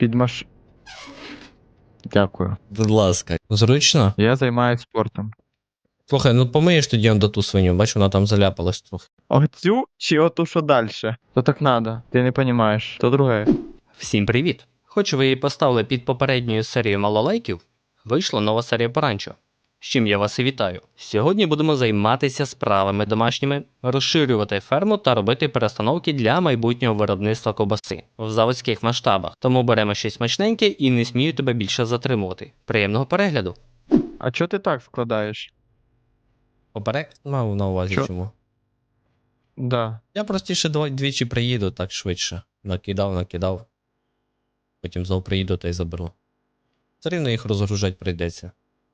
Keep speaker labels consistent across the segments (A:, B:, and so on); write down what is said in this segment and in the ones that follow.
A: Під маш... Дякую.
B: Будь ласка. Зручно?
A: Я займаюся спортом.
B: Слухай, ну помиєш тоді он до ту свиню, бач, вона там заляпалась трохи.
A: Оцю чи оту, що далі? То так надо. Ти не розумієш. То друге.
C: Всім привіт! Хоч ви і поставили під попередньою серією мало лайків, вийшла нова серія по ранчо. З чим я вас і вітаю. Сьогодні будемо займатися справами домашніми, розширювати ферму та робити перестановки для майбутнього виробництва ковбаси в заводських масштабах. Тому беремо щось смачненьке і не смію тебе більше затримувати. Приємного перегляду!
A: А чого ти так складаєш?
B: Поперек мав на увазі
A: Що?
B: чому.
A: Да.
B: Я простіше двічі приїду, так швидше. Накидав. Потім знову приїду та й заберу. Все рівно їх розгружати прийдеться.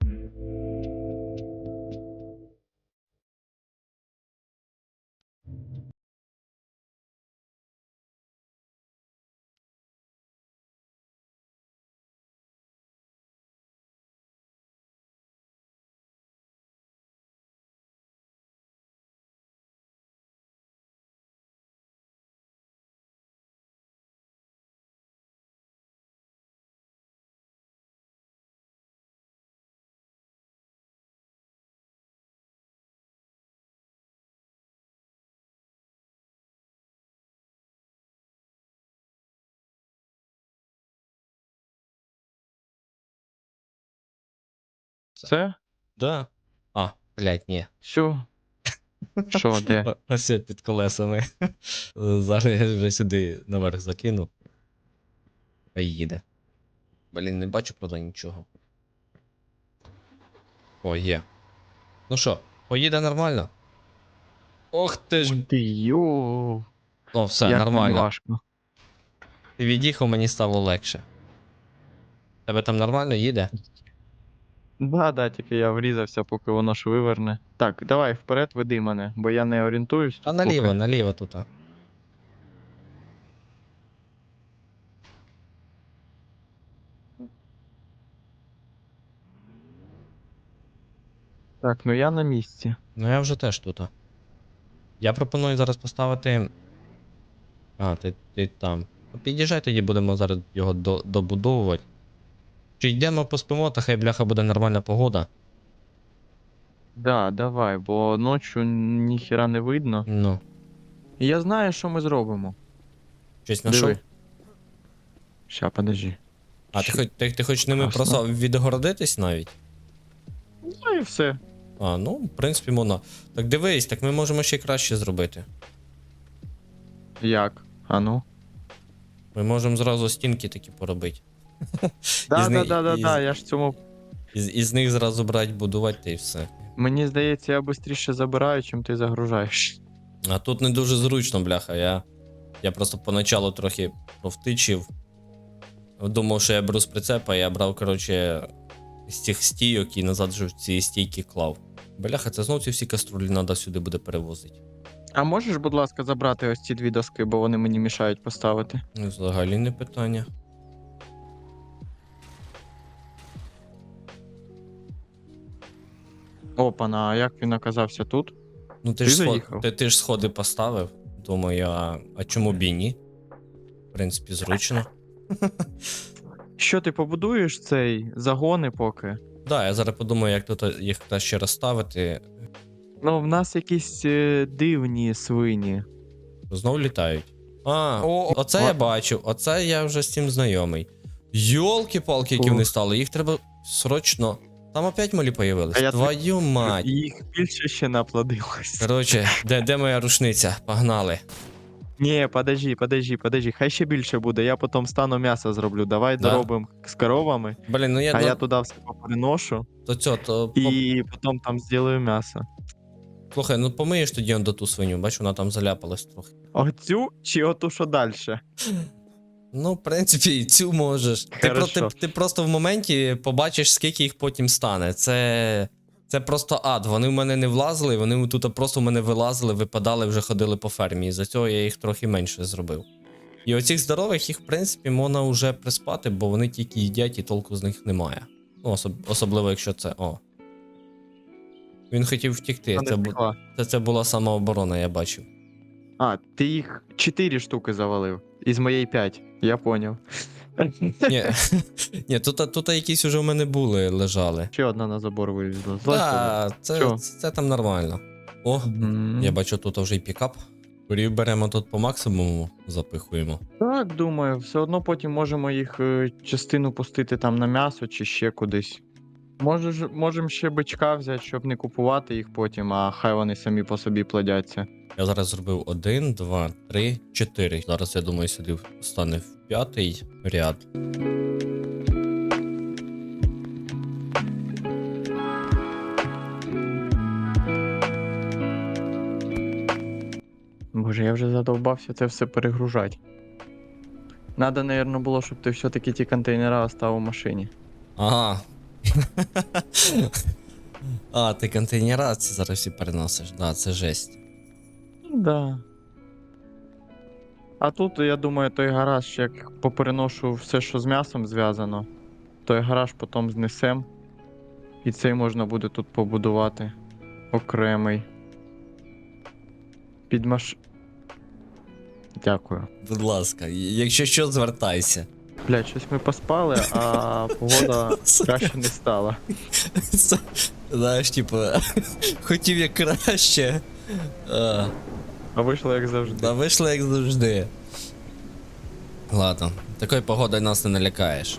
A: Все?
B: Да. А, блядь, ні.
A: Все. Що, де?
B: Ось я під колесами. Зараз я вже сюди наверх закину. Хай їде. Блін, не бачу, правда, нічого. О, є. Ну що, поїде нормально? Ох ти ж.
A: Ти йоу.
B: Ну, все,
A: Як
B: нормально.
A: важко.
B: Ти від'їхав, мені стало легше. Тебе там нормально їде?
A: Да, тільки я врізався, поки воно ж виверне. Так, давай вперед веди мене, бо я не орієнтуюсь.
B: А
A: тут
B: наліво,
A: поки.
B: наліво тут.
A: Так, ну я на місці.
B: Ну я вже теж тут. Я пропоную зараз поставити. А, ти там. Ну, під'їжджай тоді, будемо зараз його добудовувати. Чи йдемо поспимо, та хай бляха буде нормальна погода.
A: Да, давай, бо ночі ніхіра не видно.
B: Ну,
A: І я знаю, що ми зробимо.
B: щось знайшов?
A: Диви. Ща, подожди.
B: А ти хочеш ними
A: Красно.
B: просто відгородитись навіть?
A: Ну і все.
B: А, ну, в принципі, можна. Так дивись, так ми можемо ще й краще зробити.
A: Як? А ну?
B: Ми можемо зразу стінки такі поробити.
A: Да,
B: Із
A: да,
B: них-
A: да, да,
B: із-
A: да, я ж цьому.
B: Із них зразу брати, будувати та й все.
A: Мені здається, я швидше забираю, чим ти загружаєш.
B: А тут не дуже зручно, бляха. Я просто поначалу трохи провтичив. Думав, що я беру з прицепа, я брав, коротше, з цих стійок і назад вже в ці стійки клав. Бляха, це знов ці всі каструлі треба сюди буде перевозити.
A: А можеш, будь ласка, забрати ось ці дві доски, бо вони мені мішають поставити.
B: Ну, взагалі не питання.
A: Опана, а як він оказався тут?
B: Ну ти
A: Ти
B: ж
A: заїхав?
B: ти ж сходи поставив. Думаю, а чому б і ні? В принципі, зручно.
A: Що ти побудуєш цей загони поки?
B: Да, я зараз подумаю, як тут їх ще розставити.
A: Ну, в нас якісь дивні свині.
B: Знов літають. А, оце
A: о.
B: я бачив, оце я вже з цим знайомий. Йолки-палки, які
A: Ух.
B: вони стали, їх треба срочно. Там опять малі появились.
A: А я
B: Твою мать.
A: Їх більше ще наплодилось.
B: Коротше, де моя рушниця? Погнали.
A: Ні, подожди, хай ще більше буде, я потім стану м'ясо зроблю. Давай
B: Да?
A: доробимо з коровами,
B: Блін, ну
A: а я туди все поприношу
B: то
A: і потім там зроблю м'ясо.
B: слухай, ну помиєш тоді он до ту свиню, бач, вона там заляпалась трохи.
A: Оцю чи оту, що далі?
B: Ну, в принципі, і цю можеш.
A: Хорошо.
B: Ти просто в моменті побачиш, скільки їх потім стане. Це просто ад. Вони в мене не влазили, вони тут просто в мене вилазили, випадали, вже ходили по фермі. І за цього я їх трохи менше зробив. І оцих здорових їх, в принципі, можна вже приспати, бо вони тільки їдять і толку з них немає. Ну, особливо, якщо це. О. Він хотів втікти. Це була самооборона, я бачив.
A: А, ти їх 4 штуки завалив. Із моєї 5, я поняв.
B: Ні, ні, тут якісь уже в мене були, лежали.
A: Ще одна на забор вилізла. Злазь
B: Так,
A: Чо?
B: це там нормально. О,
A: Мгм.
B: я бачу, тут вже й пікап. Курів беремо тут по максимуму, запихуємо.
A: Так, думаю, все одно потім можемо їх частину пустити там на м'ясо чи ще кудись. Можемо ще бичка взяти, щоб не купувати їх потім, а хай вони самі по собі плодяться.
B: Я зараз зробив 1, 2, 3, 4. Зараз, я думаю, сюди стане в 5-й ряд.
A: Боже, я вже задовбався це все перегружати. Надо, напевно, було, щоб ти все-таки ті контейнера оставив у машині.
B: Ага. А, ти контейнера ці зараз всі переносиш. Да, це жесть.
A: Да. А тут, я думаю, той гараж, як попереношу все, що з м'ясом зв'язано, той гараж потім знесем. І цей можна буде тут побудувати. Окремий. Під маш... Дякую.
B: Будь ласка, якщо що, звертайся.
A: Блядь, щось ми поспали, а погода краще не стала.
B: Це, знаєш, типу, хотів як краще.
A: А вийшло як завжди.
B: Та вийшло як завжди. Ладно, такою погодою нас не налякаєш.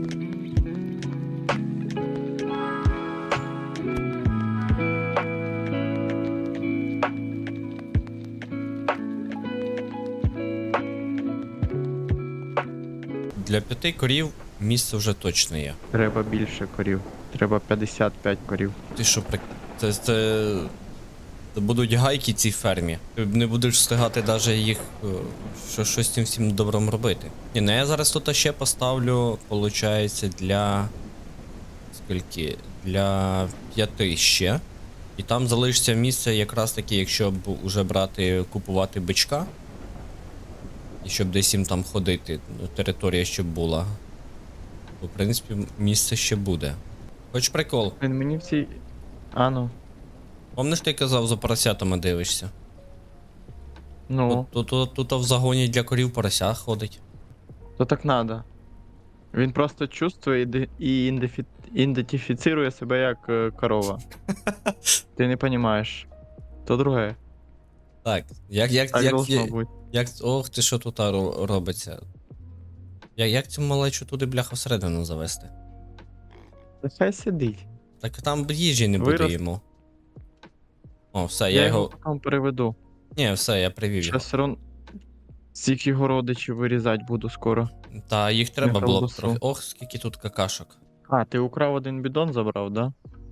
B: Для 5 корів місце вже точно є.
A: Треба більше корів. Треба 55 корів.
B: Ти що, це будуть гайки цій фермі. Ти не будеш встигати навіть їх щось з цим всім добром робити. Ні, ну я зараз тут ще поставлю, виходить, для. Скільки? Для 5 ще. І там залишиться місце якраз таки, якщо вже купувати бичка. І щоб десь їм там ходити, територія щоб була. То, в принципі, місце ще буде. Хоч прикол.
A: Він мені в цій. А ну.
B: Помниш, ти казав, за поросятами дивишся?
A: Ну,
B: Тут в загоні для корів порося ходить.
A: то так надо. Він просто чувствує і ідентифіцирує себе як корова. Ти не розумієш. То друге.
B: Так,
A: Так должно бути.
B: ох ти що тут робиться. Як цю малечу туди бляха всередину завести?
A: Та хай сидить.
B: Так там їжі не буде
A: Вирос-
B: йому. О, все,
A: Я
B: я
A: його
B: його.
A: потім переведу.
B: Ні, все, я привів його.
A: Зараз все одно всіх його родичів вирізати буду скоро.
B: Та їх треба
A: на
B: було б
A: колбасу.
B: трохи. Ох, скільки тут какашок.
A: А, ти украв один бідон забрав, да?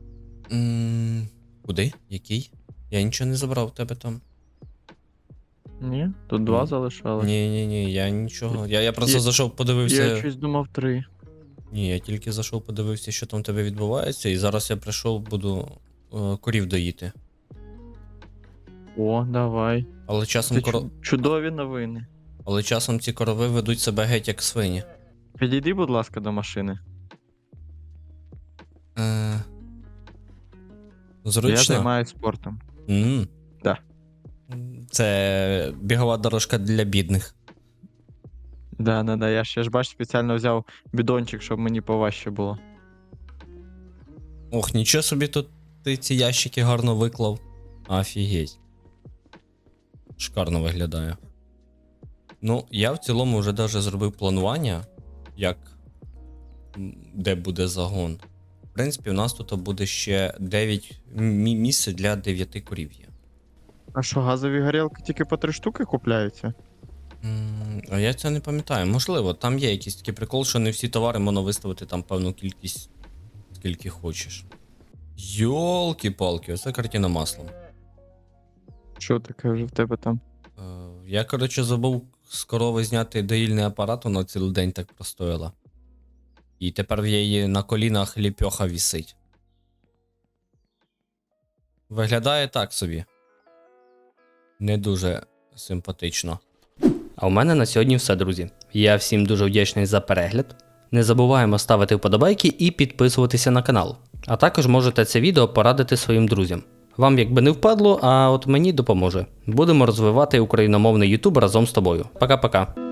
B: Куди? Який? Я нічого не забрав у тебе там.
A: Ні? Тут два
B: Ні.
A: залишали.
B: Ні, я нічого. Я просто
A: Я-
B: зайшов, подивився.
A: Я щось думав 3.
B: Ні, я тільки зайшов, подивився, що там у тебе відбувається, і зараз я прийшов, буду корів доїти.
A: О, давай.
B: Але часом,
A: Це чудові новини.
B: Але часом ці корови ведуть себе геть як свині.
A: Підійди, будь ласка, до машини.
B: Е...
A: Я
B: Зручно?
A: займаюся спортом. Да.
B: Це бігова дорожка для бідних.
A: Да. Я ще ж бач, спеціально взяв бідончик, щоб мені поважче було.
B: Ох, нічого собі тут ти ці ящики гарно виклав. Офігеть. Шикарно виглядає. Ну, я в цілому вже даже зробив планування, де буде загон. В принципі, у нас тут буде ще 9 місць для 9 корів є.
A: А що, газові горілки тільки по 3 штуки купляються?
B: А я це не пам'ятаю. Можливо, там є якийсь такий прикол, що не всі товари можна виставити там певну кількість, скільки хочеш. Йолки-палки, оце картина маслом.
A: Що таке вже в тебе там?
B: Я, коротше, забув з корови зняти доїльний апарат, вона цілий день так простояла. І тепер в її на колінах ліпьоха вісить. Виглядає так собі. Не дуже симпатично.
C: А у мене на сьогодні все, друзі. Я всім дуже вдячний за перегляд. Не забуваємо ставити вподобайки і підписуватися на канал. А також можете це відео порадити своїм друзям. Вам якби не впадло, а от мені допоможе. Будемо розвивати україномовний YouTube разом з тобою. Пока-пока.